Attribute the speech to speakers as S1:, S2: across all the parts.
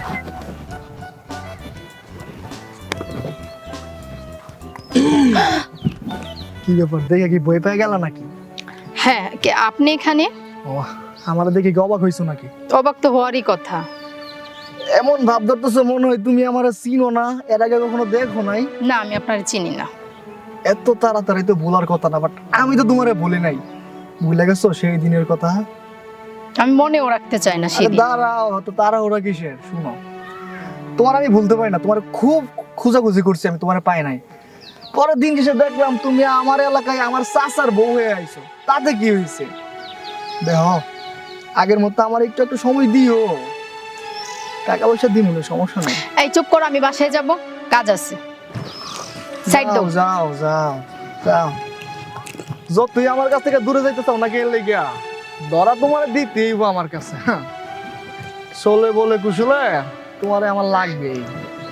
S1: কি ব্যাপার, দেখে কি বই পেয়ে গেল নাকি?
S2: হ্যাঁ, কে আপনি এখানে?
S1: ও, আমার দেখে কি অবাক হইছো নাকি?
S2: অবাক তো হওয়ারই কথা।
S1: এমন ভাব ধরতেছো মনে হয় তুমি আমার চিনো না, এর আগে কখনো দেখো নাই।
S2: না, আমি আপনার চিনি না।
S1: এত তাড়াতাড়ি তো ভুলার কথা না, বাট আমি তো তোমারে বলি নাই। ভুলে গেছো সেই দিনের কথা?
S2: আমি মনেও রাখতে চাই না
S1: আরে
S2: সেদিন।
S1: দাঁড়াও, তো তাড়াহুড়া কিসের? শুনো, তোমার আমি ভুলতে পারি না, তোমার খুব খোঁজাখুঁজি করছি, আমি তোমার পাই নাই। পরের দিন এসে দেখলাম তুমি আমার এলাকায় আমার চাচার বউ হয়ে আইছো। তাতে কি হয়েছে? দেখো, আগের মতো আমার একটু একটু সময় দিও। টাকা পয়সা দিন, সমস্যা নেই।
S2: এই চুপ করো, আমি বাসায় যাব, কাজ আছে। সাইড দাও।
S1: যাও যাও যাও। যতই আমার কাছ থেকে দূরে যাইতে চাও নাকি, এর লেগিয়া ধরা তোমার দিতেই আমার কাছে। চলে বলে কুশলে তোমারে আমার লাগবেই।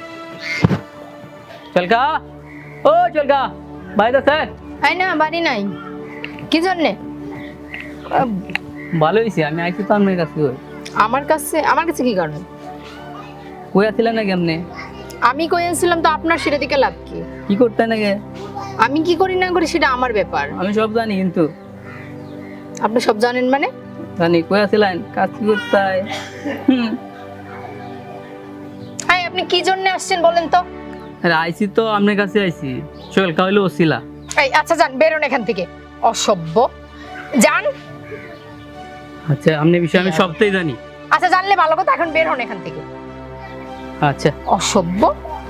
S3: চলকা, ও চলকা, ভাই তো স্যার
S2: এই না, বাড়ি নাই। কি জন্যে?
S3: ভালো হয়েছে, আমি আইছি তো আপনার কাছে।
S2: আমার কাছে? আমার কাছে কি কারণ?
S3: কই আসছিলেন না কেমনে?
S2: আমি কই আনছিলাম তো আপনার সেটা দিকে লাভ কি?
S3: কি করতে নাকি?
S2: আমি কি করি না করি সেটা আমার ব্যাপার।
S3: আমি সব জানি, কিন্তু
S2: আপনি সব জানেন মানে?
S3: জানি কই আসছিলেন, কাজ কি করতে হয়।
S2: হ্যাঁ, আপনি কি জন্য আসছেন বলেন তো?
S3: আরে আইছি তো আপনার কাছে আইছি। চলকা হইলো ওসিলা।
S2: এই আচ্ছা, যান, বেরোন এখান থেকে, অসভ্য। যান।
S3: আচ্ছা, আপনার বিষয়ে আমি সবটাই জানি।
S2: আচ্ছা, জানলে ভালো কথা, এখন বের হন এখান থেকে।
S3: আচ্ছা,
S2: অসভ্য।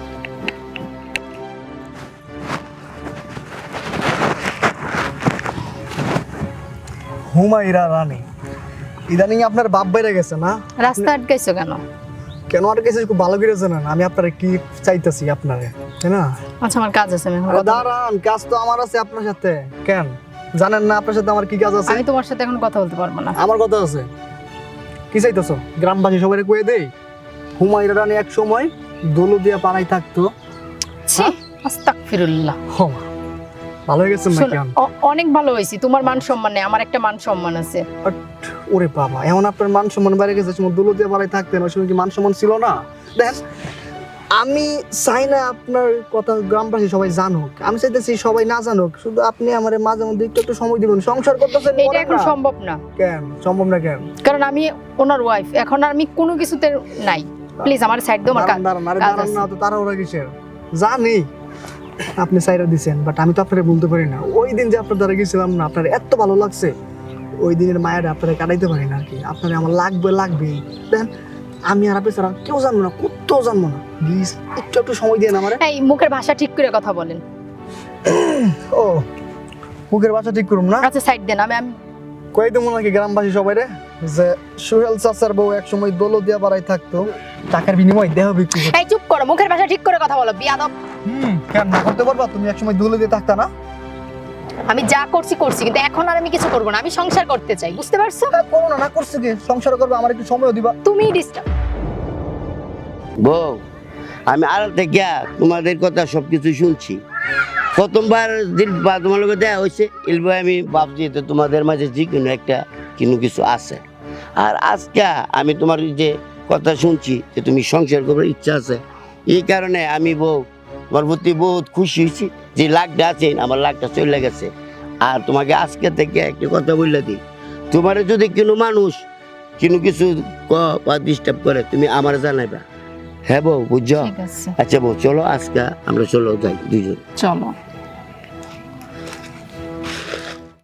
S1: হুমায়রা রানী, ইদানিং আপনার বাপ বাইরে গেছে না?
S2: রাস্তা আটকাইছো কেন?
S1: কেন আর গেছে খুব ভালো করে জানেন আমি আপনারে কি চাইতেছি আপনারে, তাই না?
S2: আচ্ছা, আমার কাজ আছে, আমি এখন
S1: আরে
S2: কথা-
S1: দাঁড়ান, কাজ তো আমার আছে আপনার সাথে। কেন জানেন না আপনার সাথে আমার কি কাজ আছে?
S2: আমি তোমার সাথে এখন কথা বলতে পারবো না।
S1: আমার কথা আছে। কি চাইতেছো? গ্রামবাসী সবাই কয়ে দেই হুমায়রা রানী এক সময় দোলো দিয়া পাড়াই থাকতো।
S2: ছি, আস্তাগফিরুল্লাহ।
S1: হ, ভালো হয়ে গেছেন না
S2: শোনো,
S1: কেন?
S2: অনেক ভালো হয়েছি। তোমার মান সম্মান নেই, আমার একটা মান সম্মান আছে।
S1: বাট, ওরে বাবা, এমন আপনার মান সম্মান বেড়ে গেছে, সময় দোলো দিয়া পাড়াই থাকতেন, ওই সময় কি মান সম্মান ছিল না? দেখেন, আমি চাই না আপনার কথা গ্রামবাসী সবাই জানুক, আমি চাইতেছি সবাই না জানুক, শুধু আপনি আমার মাঝে মধ্যে একটু একটু সময় দিবেন। সংসার করতেছেন,
S2: এটা
S1: করেন
S2: এখন
S1: না।
S2: সম্ভব না,
S1: কেন সম্ভব না? কেন?
S2: কারণ আমি ওনার ওয়াইফ। এখন আর আমি কোনো কিছুতে নাই। প্লিজ আমার সাইড দাও, আমার কাজ
S1: দাঁড়ান, আরে
S2: কাজ
S1: দাঁড়ান
S2: আছে।
S1: না, তো তাড়াহুড়া কিসের? জানি আপনি সাইরা দিছেন, বাট আমি তো আপনারে বলতে পারি না। ওই দিন যে আপনার দ্বারা গেছিলাম না, আপনার এত ভালো লাগছে, ওই দিনের মায়ের আপনারা কাটাইতে পারি না আর কি। আপনার আমার লাগবেই। দেখেন, আমি আর আপনি ছাড়া কেউ জানবো না, কোথাও জানবো না। প্লিজ একটু একটু সময় দিয়ে আমার।
S2: এই মুখের ভাষা ঠিক করে কথা বলেন।
S1: ও, মুখের ভাষা ঠিক করুন না?
S2: আচ্ছা, সাইড দেন। আমি
S1: কই দেবো নাকি গ্রামবাসী সবাই রে যে সোহেল চাচার বউ এক সময় দোলো দিয়া বাড়াই থাকতো, টাকার বিনিময়ে দেহ বিক্রি করতো।
S2: এই চুপ করো, মুখের ভাষা ঠিক করে কথা বলো, বিয়াদব।
S1: কেন না করতে পারবা? তুমি এক সময় দোলো দিয়ে থাকতা না?
S2: আমি যা করছি, কিন্তু এখন আর আমি কিছু করবো না। আমি সংসার করতে চাই, বুঝতে পারছো?
S1: করো না, না করছে কি? সংসার করবে, আমার একটু সময় দিবা।
S2: তুমি ডিস্টার্ব।
S4: বউ, আমি আড়াল থেকে তোমাদের কথা সবকিছু শুনছি। প্রথমবার দিন বা তোমার লোকের দেওয়া হয়েছে, এলবে আমি ভাবছি তো তোমাদের মাঝে যে কোনো একটা কিছু আছে। আর আজকে আমি তোমার যে কথা শুনছি যে তুমি সংসার করার ইচ্ছা আছে, এই কারণে আমি বউ তোমার প্রতি বহুত খুশি হয়েছি যে লাখটা আছে, আমার লাখটা চলে গেছে। আর তোমাকে আজকে থেকে একটা কথা বললে দিই, তোমার যদি কোনো মানুষ কিছু বা ডিস্টার্ব করে, তুমি আমার জানাইবা। হ্যাঁ বউ, বুঝছো?
S2: ঠিক আছে,
S4: আচ্ছা বউ, চলো আজকে আমরা চলো যাই দুইজন।
S2: চলো।